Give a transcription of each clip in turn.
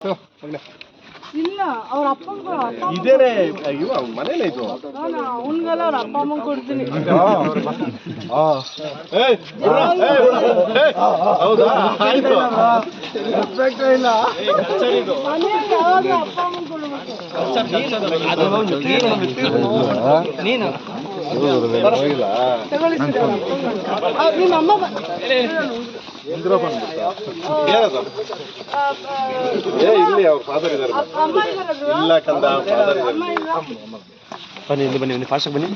ಇಲ್ಲ ಅವ್ರ ಅಪ್ಪಂಗೂ ಇದೇನೆ ಇವ ಮನೇಲೆ ಇದು ಅವನ್ಗೆಲ್ಲ ಅವ್ರ ಅಪ್ಪ ಅಮ್ಮಂಗೆ ಕೊಡ್ತೀನಿ. ಹೌದಾ ಆಯ್ತು ಇಲ್ಲ ಮನೆಯಲ್ಲಿ ಯಾವಾಗಲೂ ಅಪ್ಪ ಅಮ್ಮಂಗೆ ಕೊಡ್ಬೇಕು. ತಗೊಳ್ಳಿ ನಿಮ್ಮ ಅಮ್ಮ ಇಲ್ಲಿ ಅವ್ರ ಫಾದರ್ ಇದ್ದಾರೆ. ಅಮ್ಮ ಇದ್ದಾರದು ಇಲ್ಲ ಕಂದ ಫಾದರ್ ಅಮ್ಮ ಇಲ್ಲ. ಬನ್ನಿ ಇಲ್ಲಿ ಬನ್ನಿ ಫಾಸ್ಟಾಗಿ ಬನ್ನಿ.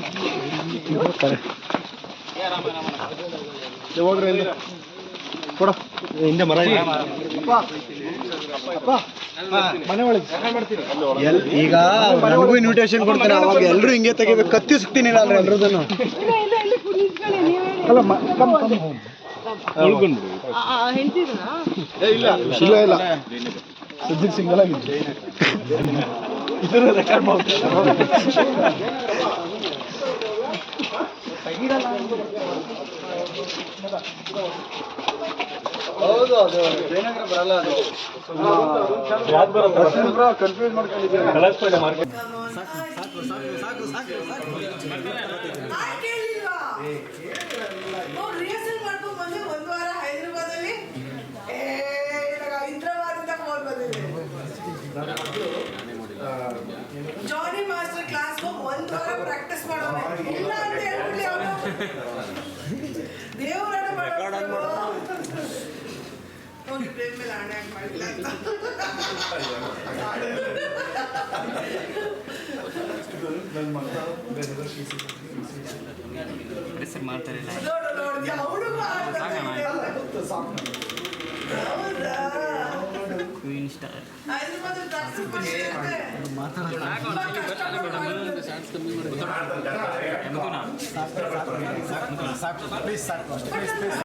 ಹೋಗ್ರಿ ಕೊಡ ಹಿಂದೆ ಮರ ಇದೆ. ಮನೆ ಒಳಗೆ ಈಗ ನನಗೂ ಇನ್ವಿಟೇಷನ್ ಕೊಡ್ತಾರೆ, ಅವಾಗ ಎಲ್ಲರೂ ಹಿಂಗೆ ತೆಗಿಬೇಕು. ಕತ್ತಿ ಸುತ್ತೀನಿಲ್ಲ ಅಂದ್ರೆ ಎಲ್ರದನ್ನು. ಇಲ್ಲ ಇಲ್ಲಿ ನಿಂತ್ಕೊಳ್ಳಿ ನೀವೇ. ಅಲ್ಲ ಹೆಂಡ್ತಿದ್ರಾ? ಇಲ್ಲ ಇಲ್ಲ ಇಲ್ಲ ಸದ್ಯಕ್ಕೆ ಸಿಂಗಲ್ ಆಗಿದೆ. ಇದನ್ನು ರೆಕಾರ್ಡ್ ಮಾಡ್ತಾರೆ. ಹೌದು ಅದು ಜಯನಗರ ಬರಲ್ಲ. ಅದು ಕನ್ಫ್ಯೂಸ್ ಮಾಡ್ಕೊಂಡಿದ್ದೀವಿ. ರಿಹರ್ಸಲ್ ಮಾಡ್ಕೊಂಡು ಬಂದು ಒಂದು ವಾರ ಹೈದರಾಬಾದಲ್ಲಿ ಹೈದರಾಬಾದಿಂದ ಫೋನ್ ಬಂದಿದೆ. ಜಾನಿ ಮಾಸ್ಟರ್ ಕ್ಲಾಸ್ ಒಂದು ವಾರ ಪ್ರಾಕ್ಟೀಸ್ ಮಾಡೋಣ ಇಲ್ಲ ಅಂತ ಹೇಳ್ಬಿಡಿ. ಅವನು ದೇವರಾಟ ಮಾಡೋದು ಹೋಗಿ ಪ್ರೇಮ್ ಮೇಲೆ ಆಣೆ ಹಾಕಿ ಮಾಡಿಲ್ಲ ಅಂತ. ನೋಡು ಹೈದರಾಬಾದ್